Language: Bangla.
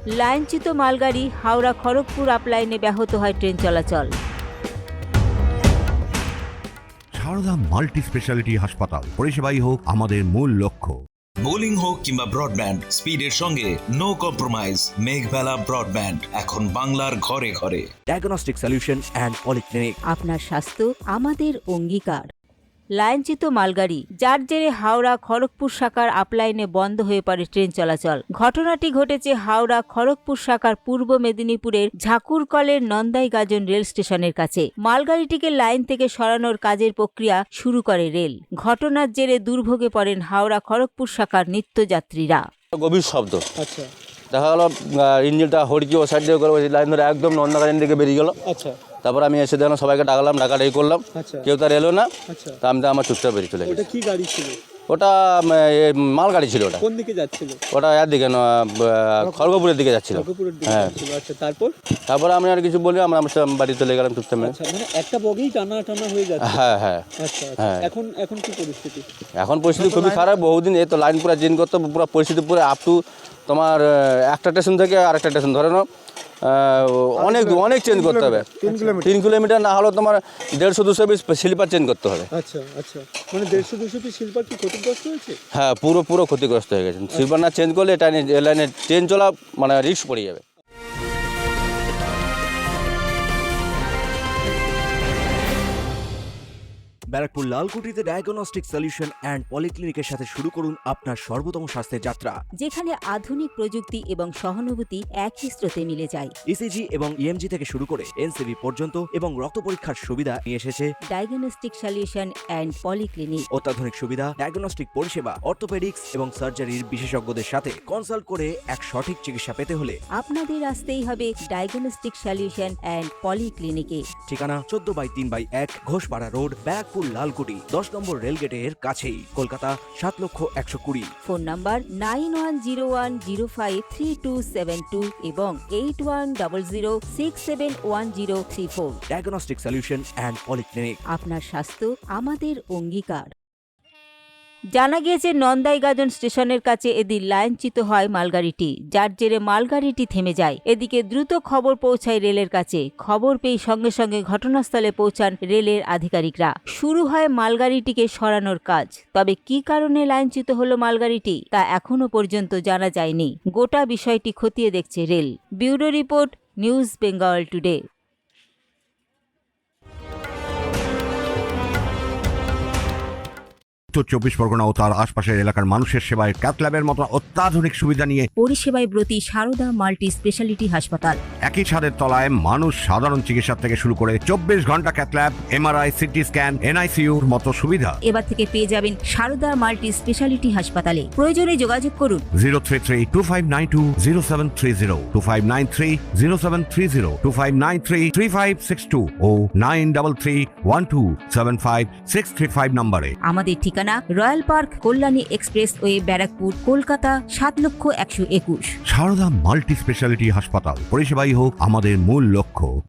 লাইনচ্যুত মালগাড়ি হাওড়া খড়গপুর আপ লাইনে ব্যাহত হয় ট্রেন চলাচল। সারদা মাল্টি স্পেশালিটি হাসপাতাল, পরিষেবাই হোক আমাদের মূল লক্ষ্য। বোলিং হোক কিংবা ব্রডব্যান্ড, স্পিডের সঙ্গে নো কম্প্রোমাইজ। মেঘবেলা ব্রডব্যান্ড এখন বাংলার ঘরে ঘরে। Diagnostic solution and polyclinic. আপনার স্বাস্থ্য আমাদের অঙ্গীকার। লাইনচ্যুত মালগাড়ি, যার জেরে হাওড়া খড়গপুর শাখার আপলাইনে বন্ধ হয়ে পড়ে ট্রেন চলাচল। ঘটনাটি ঘটেছে হাওড়া খড়গপুর শাখার পূর্ব মেদিনীপুরের ঝাকুরকলের নন্দাইগাজন রেল স্টেশনের কাছে। মালগাড়িটিকে লাইন থেকে সরানোর কাজের প্রক্রিয়া শুরু করে রেল। ঘটনার জেরে দুর্ভোগে পড়েন হাওড়া খড়গপুর শাখার নিত্যযাত্রীরা। গভীর শব্দ, আচ্ছা দেখা গেলো ইঞ্জিনটা হড়কি ও সাইড দিয়ে করে লাইন ধরে একদম নন্দাগাড়ির দিকে বেরিয়ে গেল। আচ্ছা তারপর আমি এসে দেখলাম, সবাইকে ডাকলাম, ডাকাডাকি করলাম, আচ্ছা কেউ তার এলো না। আচ্ছা তা আমি তো আমার চুপচাপ বেরিয়ে চলে ওটা গেছি। কি গাড়ি ছিল? ওটা মালগাড়ি ছিল। ওটা কোন দিকে যাচ্ছিল? ওটা এর দিকে খড়গপুরের দিকে যাচ্ছিল। খড়গপুরের দিকে হ্যাঁ। যাচ্ছিল। আচ্ছা তারপর আমি আর কিছু বলি, আমরা বাড়ি চলে গেলাম চুপচাপ। আচ্ছা মানে একটা বগেই টানা টানা হয়ে যাচ্ছে। হ্যাঁ হ্যাঁ। আচ্ছা আচ্ছা হ্যাঁ। এখন কি পরিস্থিতি? এখন পরিস্থিতি খুবই খারাপ। বহুদিন এই তো লাইন পুরো চেঞ্জ করতে হবে, পুরো পরিস্থিতি পুরো আপ টু তোমার একটা স্টেশন থেকে আরেকটা স্টেশন ধরে নাও, অনেক চেঞ্জ করতে হবে। 3 কিলোমিটার না হলেও তোমার 150-200 পিস স্লিপার চেঞ্জ করতে হবে। আচ্ছা আচ্ছা মানে 150-200 পিস শিল্পার কি ক্ষতিগ্রস্ত হয়েছে? হ্যাঁ, পুরো ক্ষতিগ্রস্ত হয়ে গেছে। স্লিপার না চেঞ্জ করলে এটা লাইনে ট্রেন চলা মানে রিস্ক পড়ে যাবে। ব্যারাকপুর লালকুটিতে ডায়াগনস্টিক সলিউশন অ্যান্ড পলিক্লিনিকের সাথে শুরু করুন আপনার সর্বোত্তম স্বাস্থ্যের যাত্রা। যেখানে আধুনিক প্রযুক্তি এবং সহানুভূতি একই স্রোতে মিলে যায়। ইসিজি এবং ইএমজি থেকে শুরু করে এনসিবি পর্যন্ত এবং রক্ত পরীক্ষার সুবিধা নিয়ে এসেছে ডায়াগনস্টিক সলিউশন অ্যান্ড পলিক্লিনিক। অত্যাধুনিক সুবিধা, ডায়াগনস্টিক পরিষেবা, অর্থোপেডিক্স এবং সার্জারির বিশেষজ্ঞদের সাথে কনসাল্ট করে এক সঠিক চিকিৎসা পেতে হলে আপনাদের আসতেই হবে ডায়াগনস্টিক সলিউশন অ্যান্ড পলিক্লিনিকে। ঠিকানা 14/3/1 ঘোষপাড়া রোড, ব্যারাকপুর লালকুটি, 10 নম্বর রেলগেটের কাছেই, কলকাতা 7,120,000। ফোন নাম্বার 9101053272 এবং 8100671034। Diagnostic solution and polyclinic. আপনার স্বাস্থ্য আমাদের অঙ্গীকার। জানা গিয়েছে নন্দাইগাজন স্টেশনের কাছে এদিন লাইনচ্যুত হয় মালগাড়িটি, যার জেরে মালগাড়িটি থেমে যায়। এদিকে দ্রুত খবর পৌঁছায় রেলের কাছে। খবর পেয়ে সঙ্গে সঙ্গে ঘটনাস্থলে পৌঁছান রেলের আধিকারিকরা। শুরু হয় মালগাড়িটিকে সরানোর কাজ। তবে কী কারণে লাইনচ্যুত হলো মালগাড়িটি তা এখনও পর্যন্ত জানা যায়নি। গোটা বিষয়টি খতিয়ে দেখছে রেল। Bureau report, news Bengal today. উত্তর 24 পরগনা ও তার আশপাশের এলাকার মানুষের সেবায় ক্যাথল্যাবের মতো অত্যাধুনিক সুবিধা নিয়ে পরিষেবায় ব্রতী সারদা মাল্টি স্পেশালিটি হাসপাতাল। একই ছাদের তলায় মানুষ সাধারণ চিকিৎসা থেকে শুরু করে 24 ঘন্টা ক্যাথল্যাব, এমআরআই, সিটি স্ক্যান, এনআইসিইউর মতো সুবিধা। এবার থেকে পেয়ে যাবেন সারদা মাল্টি স্পেশালিটি হাসপাতালে। প্রয়োজনে যোগাযোগ করুন 033-2592-0730, 2593-0730, 2593-3562 ও 9331275635 নম্বরে। আমাদের ঠিকানা royal park, Kalyani expressway, Barrackpore, Kolkata 7,121,000। Sarada multi speciality হাসপাতাল, পরিষেবাই হোক আমাদের মূল লক্ষ্য।